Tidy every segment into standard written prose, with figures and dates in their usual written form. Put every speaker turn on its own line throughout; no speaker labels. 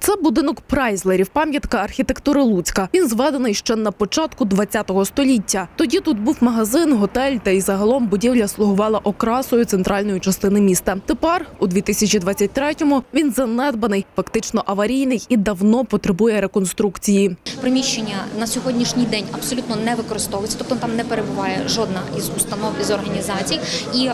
Це будинок Прайзлерів, пам'ятка архітектури Луцька. Він зведений ще на початку ХХ століття. Тоді тут був магазин, готель та й загалом будівля слугувала окрасою центральної частини міста. Тепер, у 2023-му, він занедбаний, фактично аварійний і давно потребує реконструкції.
Приміщення на сьогоднішній день абсолютно не використовується, тобто там не перебуває жодна із установ, із організацій. І,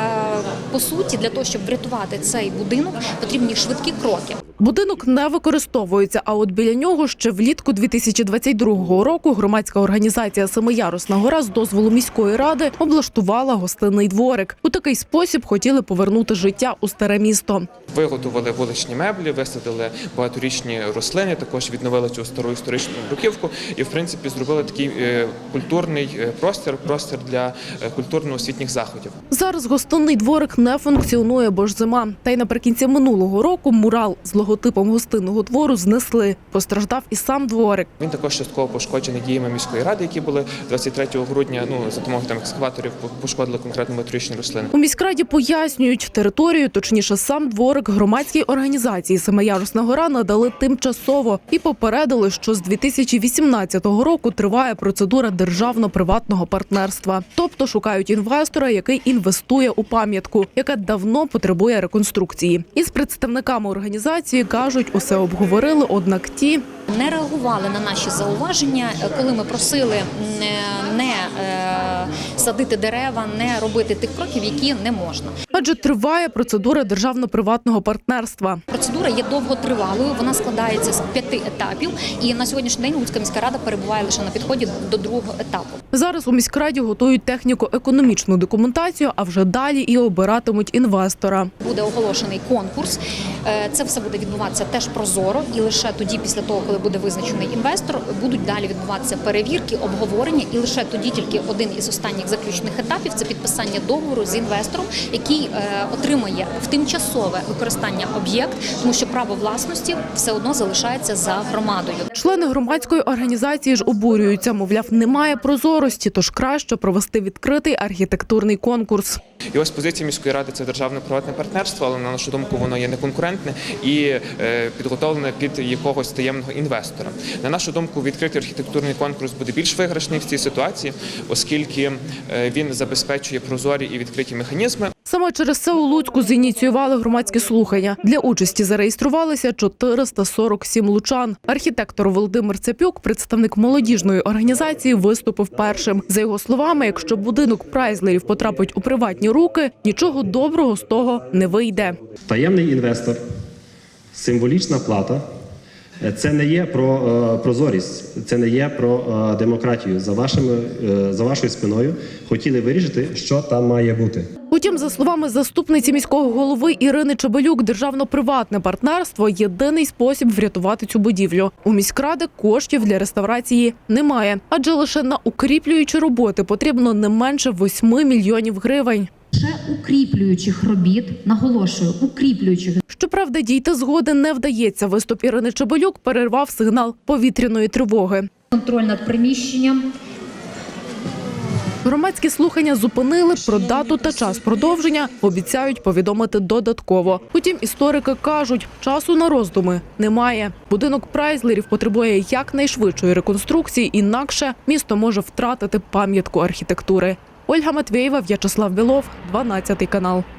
по суті, для того, щоб врятувати цей будинок, потрібні швидкі кроки.
Будинок не використовується, а от біля нього ще влітку 2022 року громадська організація «Семиярусна гора» з дозволу міської ради облаштувала гостинний дворик. У такий спосіб хотіли повернути життя у старе місто.
Виготовили вуличні меблі, висадили багаторічні рослини, також відновили цю стару історичну бруківку і, в принципі, зробили такий культурний простір для культурно-освітніх заходів.
Зараз гостинний дворик не функціонує, бо ж зима. Та й наприкінці минулого року мурал з логотипом гостинного двору знесли. Постраждав і сам дворик.
Він також частково пошкоджений діями міської ради, які були 23 грудня, за допомогою екскаваторів пошкодили конкретно багаторічні рослини.
У міськраді пояснюють, територію, точніше сам дворик, громадській організації «Семиярусна гора» надали тимчасово і попередили, що з 2018 року триває процедура державно-приватного партнерства. Тобто шукають інвестора, який інвестує у пам'ятку, яка давно потребує реконструкції. Із представниками організації кажуть, усе обговорили, однак ті
не реагували на наші зауваження, коли ми просили не садити дерева, не робити тих кроків, які не можна.
Адже триває процедура державно-приватного партнерства.
Процедура є довготривалою, вона складається з 5 етапів, і на сьогоднішній день Луцька міська рада перебуває лише на підході до другого етапу.
Зараз у міськраді готують техніко-економічну документацію, а вже далі і обиратимуть інвестора.
Буде оголошений конкурс, це все буде відбуватися теж прозоро, і лише тоді, після того, коли буде визначений інвестор, будуть далі відбуватися перевірки, обговорення, і лише тоді тільки один із останніх заключних етапів – це підписання договору з інвестором, який отримає в тимчасове використання об'єкт, тому що право власності все одно залишається за громадою.
Члени громадської організації ж обурюються, мовляв, немає прозорості, тож краще провести відкритий архітектурний конкурс.
І ось позиція міської ради – це державно-приватне партнерство, але, на нашу думку, воно є неконкурентне і підготовлене під якогось таємного інвестора. На нашу думку, відкритий архітектурний конкурс буде більш виграшний в цій ситуації, оскільки він забезпечує прозорі і відкриті механізми.
Саме через це у Луцьку зініціювали громадські слухання. Для участі зареєструвалися 447 лучан. Архітектор Володимир Цепюк, представник молодіжної організації, виступив першим. За його словами, якщо будинок Прайзлерів потрапить у приватні руки, нічого доброго з того не вийде.
Таємний інвестор, символічна плата – це не є про прозорість, це не є про демократію. За вашою спиною хотіли вирішити, що там має бути.
Утім, за словами заступниці міського голови Ірини Чебелюк, державно-приватне партнерство – єдиний спосіб врятувати цю будівлю. У міськради коштів для реставрації немає, адже лише на укріплюючі роботи потрібно не менше 8 мільйонів гривень.
Ще укріплюючих робіт, наголошую, укріплюючих.
Щоправда, дійти згоди не вдається. Виступ Ірини Чебелюк перервав сигнал повітряної тривоги.
Контроль над приміщенням.
Громадські слухання зупинили, про дату та час продовження обіцяють повідомити додатково. Утім, історики кажуть, часу на роздуми немає. Будинок Прайзлерів потребує якнайшвидшої реконструкції, інакше місто може втратити пам'ятку архітектури. Ольга Матвєєва, В'ячеслав Білов, 12 канал.